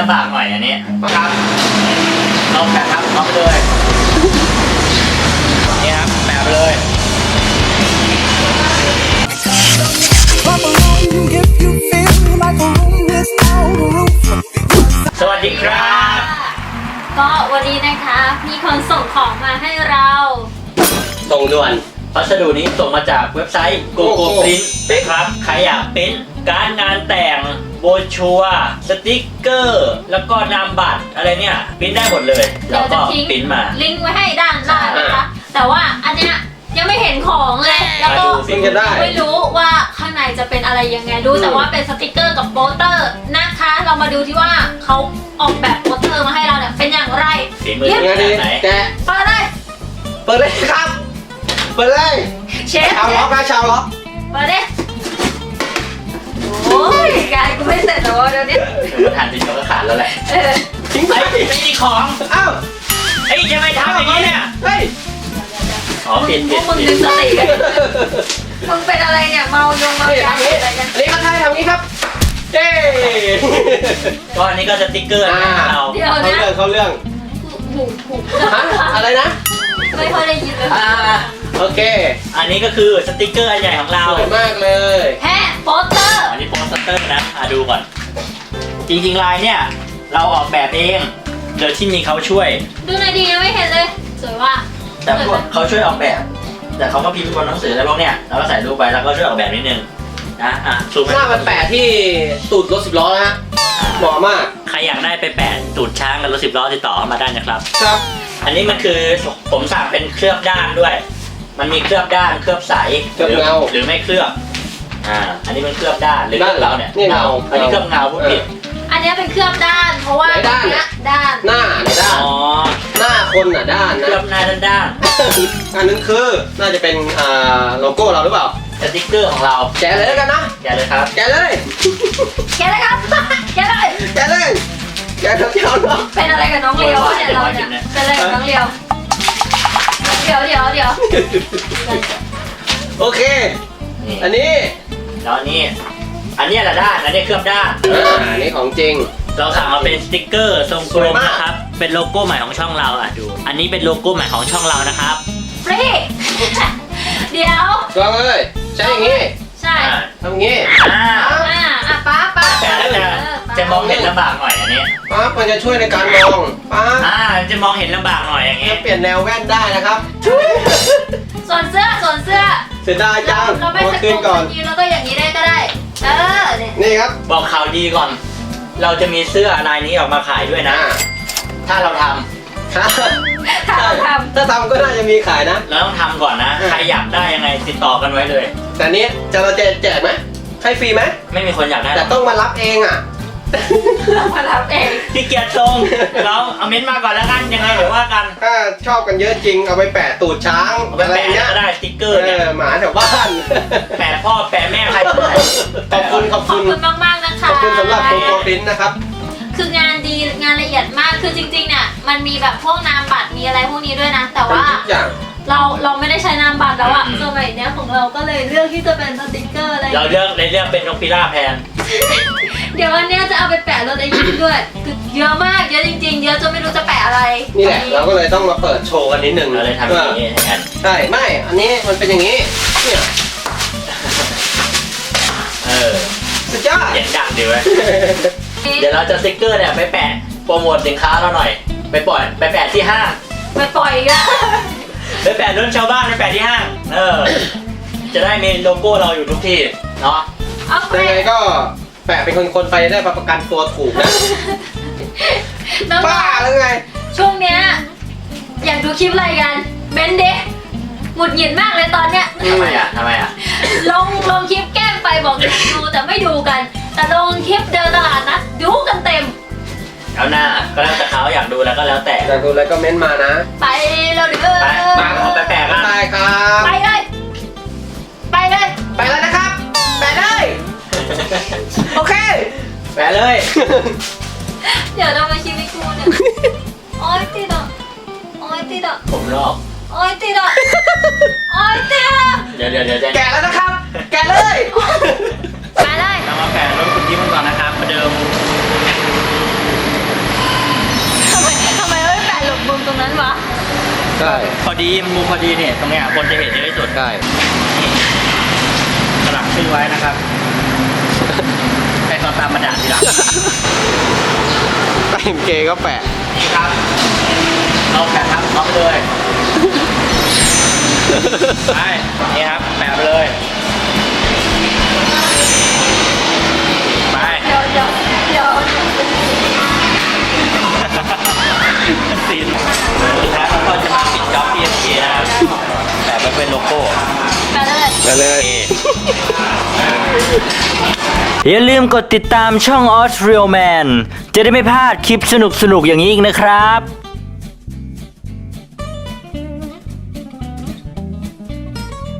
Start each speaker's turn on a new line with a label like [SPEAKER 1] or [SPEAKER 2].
[SPEAKER 1] ำบากหน่อยอันนี้
[SPEAKER 2] ครับ
[SPEAKER 1] ลองแปะครับลองไปเลยนี่ครับแปะไปเลยสวัสดีครับ
[SPEAKER 3] ก็วันนี้นะคะมีคนส่งของมาให้เรา
[SPEAKER 2] ส่งด่วน
[SPEAKER 1] พัสดุนี้ส่งมาจากเว็บไซต์ GoGo Print นะครับใครอยากปริ้นการงานแต่งโบรชัวร์สติ๊กเกอร์แล้วก็นามบัตรอะไรเนี่ยปริ้นได้หมดเลยแล้วก็ปริ้นมา
[SPEAKER 3] ลิงก์ไว้ให้ด้านล่างนะคะแต่ว่าอันเนี้ยยังไม่เห็นของเลยแล้วก็ไม่รู้ว่าข้างในจะเป็นอะไรยังไงรู้แต่ว่าเป็นสติ๊กเกอร์กับโปสเตอร์นะคะเรามาดูที่ว่าเขาออกแบบโปสเตอร์มาให้เราเนี่ยเป็นอย่างไร
[SPEAKER 1] ฝีมือไหน
[SPEAKER 3] แกะเปิดเลย
[SPEAKER 2] ครับเปิดเลย
[SPEAKER 3] เชฟ
[SPEAKER 2] ชาวล็อกนะชาวล็อก
[SPEAKER 3] เปิดดิโอ้ยกายกูไม่เสร็จแล้วเดี๋ยวนี้
[SPEAKER 1] ทานทีเดียวก็ขาดแล้วแหละ
[SPEAKER 2] ทิ้งไป
[SPEAKER 1] ไม่มีของ
[SPEAKER 2] อ้าว
[SPEAKER 1] เฮ้ยจะไม่ทำอย่างนี้เนี่ย
[SPEAKER 2] เฮ้ย
[SPEAKER 1] อ๋อเปลี่ยน
[SPEAKER 3] มึงดึงสติมึงเป็นอะไรเนี่ยเมายงเมายาอะไรกัน
[SPEAKER 2] นี่ก็ใช่ทำนี้ครับเย้
[SPEAKER 1] ก็อันนี้ก็สติ๊กเกอร์เรา
[SPEAKER 3] เดี๋ยวนะ
[SPEAKER 2] เขาเรื่อง
[SPEAKER 3] หู
[SPEAKER 2] อะไรนะ
[SPEAKER 3] ไม่ค่อยได้ยินเลย
[SPEAKER 2] โอเค
[SPEAKER 1] อันนี้ก็คือสติ๊กเกอร์อันใหญ่ของเรา
[SPEAKER 2] สวยมากเลย
[SPEAKER 3] แฮะโปสเตอร์
[SPEAKER 1] อันนี้โปสเตอร์นะดูก่อนจริงๆลายเนี่ยเราออกแบบเองโดยที่มีเขาช่วย
[SPEAKER 3] ดูหน่อยดียังไม่เห็นเลยสวยว่ะ
[SPEAKER 1] แต่เขาช่วยออกแบบแต่เขาก็พิมพ์บนหนังสืออะไรพวกเนี้ยเราก็ใส่รูปไปแล้วก็ช่วยออกแบบนิดนึงนะ
[SPEAKER 2] ซูมหน้ามันแปะที่ตูดรถ10 ล้อนะฮะเหมาะมาก
[SPEAKER 1] ใครอยากได้ไปแปะตูดช้างกับรถ10 ล้อติดต่อเข้ามาได้นะครับ
[SPEAKER 2] ครับ
[SPEAKER 1] อันนี้มันคือผมสั่งเป็นเคลือบด้านด้วยมันมีเคลือบด้านเคลือบใส
[SPEAKER 2] เคลือบเงา
[SPEAKER 1] หรือไม่เคลือบอันนี้เป็นเคลือบด้านหรือเราเนี่ย
[SPEAKER 2] เงา
[SPEAKER 1] อันนี้เคลือบเงาพูดผิด
[SPEAKER 3] อันนี้เป็นเคลือบด้านเพราะว่า
[SPEAKER 2] ด้านหน้าด้านหน้าคนด้านนะ
[SPEAKER 1] เคลือบหน้าด้าน
[SPEAKER 2] อันนั้นคือน่าจะเป็นโลโก้เราหรือเปล่า
[SPEAKER 1] สติ๊กเกอร์ของเรา
[SPEAKER 2] แกะเลยแล้วกันนะ
[SPEAKER 1] แกะเลยครับ
[SPEAKER 2] แกะเลย
[SPEAKER 3] ครับแกะเลย
[SPEAKER 2] แกะเนาะ
[SPEAKER 3] เป็นอะไรกับน้องเลียวเนี่ยเราเนี่ยเป็นอะไรกับน้องเลียวเดี๋ยว
[SPEAKER 2] โอเคอันนี้
[SPEAKER 1] แล้วอันนี้แหละด้านอันนี้เคลือบด้าน
[SPEAKER 2] อันนี้ของจริง
[SPEAKER 1] เราสั่งมาเป็นสติ๊กเกอร์ทรงกลมนะครับเป็นโลโก้ใหม่ของช่องเราดูอันนี้เป็นโลโก้ใหม่ของช่องเรานะครับ
[SPEAKER 3] ฟรีเดี๋ยว
[SPEAKER 2] ลองเลยใช่อย่างงี้
[SPEAKER 3] ใช่
[SPEAKER 2] ทำอย่างงี้
[SPEAKER 3] ป้า
[SPEAKER 1] แต่จะมองเห็นลำบากหน่อยอันนี้
[SPEAKER 2] ป้ามันจะช่วยในการมองป้า
[SPEAKER 1] จะมองเห็นลำบากหน่อยอย่างงี้
[SPEAKER 2] เปลี่ยนแนวแว่นได้นะครับ
[SPEAKER 3] ส่วนเสื้อ
[SPEAKER 2] เสียดายจัง
[SPEAKER 3] เราไม่สกก่อนแล้วก็อย่างนี้ได้ก็ได้
[SPEAKER 2] นี่ครับ
[SPEAKER 1] บอกข่าวดีก่อนเราจะมีเสื้อลายนี้ออกมาขายด้วยนะถ้าเราทำ
[SPEAKER 2] ถ้าทำก็น่าจะมีขายนะ
[SPEAKER 1] เราต้องทำก่อนนะใครอยากได้ยังไงติดต่อกันไว้เลย
[SPEAKER 2] แต่นี้เราจะแจกไหมให้ฟรีไหม
[SPEAKER 1] ไม่มีคนอยากได้
[SPEAKER 2] แต่ต้องมารับเอง
[SPEAKER 3] มารับเอง
[SPEAKER 1] พี่เกียรติทรงเราเอาเม้นต์มาก่อนแล้วกันยังไงเดี๋ยวว่ากัน
[SPEAKER 2] ถ้าชอบกันเยอะจริงเอาไปแปะตูดช้าง
[SPEAKER 1] อะไรเงี้ยได้สติ๊กเกอร์เนี่ย
[SPEAKER 2] หมาแถวบ้าน
[SPEAKER 1] แปะพ่อแปะแม่ใคร
[SPEAKER 2] ขอบคุณ
[SPEAKER 3] มากนะคะ
[SPEAKER 2] ขอบคุณสำหรับโปรฟินนะครับ
[SPEAKER 3] คืองานดีงานละเอียดมากคือจริงๆเนี่ยมันมีแบบพวกนามบัตรมีอะไรพวกนี้ด้วยนะแต่ว่าเราไม่ได้ใช้นามบัตรแล้วอะสมัยเนี้ยของเราก็เลยเลือกที่จะเป็นสติ๊กเกอร์อะไร
[SPEAKER 1] เราเลือกเป็นนกพิราบแทน
[SPEAKER 3] เดี๋ยววันนี้จะเอาไปแปะรถไอยิ้มด้วยคือเยอะมากเยอะจริงๆเยอะจนไม่รู้จะแปะอะไร
[SPEAKER 2] นี่แหละเราก็เลยต้องมาเปิดโชว์กันนิดนึง
[SPEAKER 1] เราเลยทำอย่างนี้แทน
[SPEAKER 2] ใช่ไม่อันนี้มันเป็นอย่างนี้เนี่ยสุดยอด
[SPEAKER 1] เห็นดังดีเว้ยเดี๋ยวเราจะสติ๊กเกอร์เนี่ยไปแปะโปรโมทสินค้าเราหน่อยไปแปะที่ห้าง
[SPEAKER 3] ไปปล่อยอีกแล้ว
[SPEAKER 1] ไปแปะรถชาวบ้านไปแปะที่ห้างจะได้มีโลโก้เราอยู่ทุกที่เนาะ
[SPEAKER 2] ยังไงก็แปะเป็นคนไปได้ประกันตัวถูกนะบ้าหรือไง
[SPEAKER 3] ช่วงเนี้ยอยากดูคลิปอะไรกันเบนเดหงุดหงิดมากเลยตอนเนี้ย
[SPEAKER 1] ทำไมอ่ะ
[SPEAKER 3] ลงคลิปแกล้งไปบอกดูแต่ไม่ดูกันแต่ลงคลิปเดินตลาดนะดูกันเต็ม
[SPEAKER 1] เอาหน้าก็แล้วแต่เขาอยากดูแล้วก็แล้วแต่
[SPEAKER 2] อยากดูแล้วก็เม้นมานะ
[SPEAKER 3] ไปเราเดือ
[SPEAKER 1] มาขอไปแปะกัน
[SPEAKER 2] ไปครับ
[SPEAKER 3] ไปเลย
[SPEAKER 2] นะครับแปะเลยโอเค
[SPEAKER 1] แปะเลย
[SPEAKER 3] เดี๋ยวเรามาชิมให้กูเนี่ยโอ๊ยติดอ่ะ
[SPEAKER 1] ผมรอบ
[SPEAKER 3] โอ๊ยติดอ่ะ
[SPEAKER 1] เดี๋ยว
[SPEAKER 2] แกะแล้วนะครับแกะเลย
[SPEAKER 1] เรามาแปะรถคุณยิ้มก่อนนะครับประเดิม
[SPEAKER 3] รงนั้นวะ
[SPEAKER 2] ใช่
[SPEAKER 1] พอดีมุมพอดีเนี่ยตรงเนี้ยคนจะเห็นเยอะที่สุด
[SPEAKER 2] ใช่
[SPEAKER 1] สลักชื่อไว้นะครับให้เขาตามมาด่าทีหลัง
[SPEAKER 2] แต่งเกก็แปะ
[SPEAKER 1] นี่ครับเราแปะทับท็อปเลยไปนี่ครับแปะไปเลยไป
[SPEAKER 3] เดี๋ยว
[SPEAKER 1] ซีนแล้วก็จะมาปิดจ็อบ PSK นะครับแปะไว้เป็นโลโก้
[SPEAKER 3] ไปเลย
[SPEAKER 2] ไปเลย
[SPEAKER 1] อย่าลืมกดติดตามช่อง Austrial Man จะได้ไม่พลาดคลิปสนุกๆอย่างนี้อีกนะครับ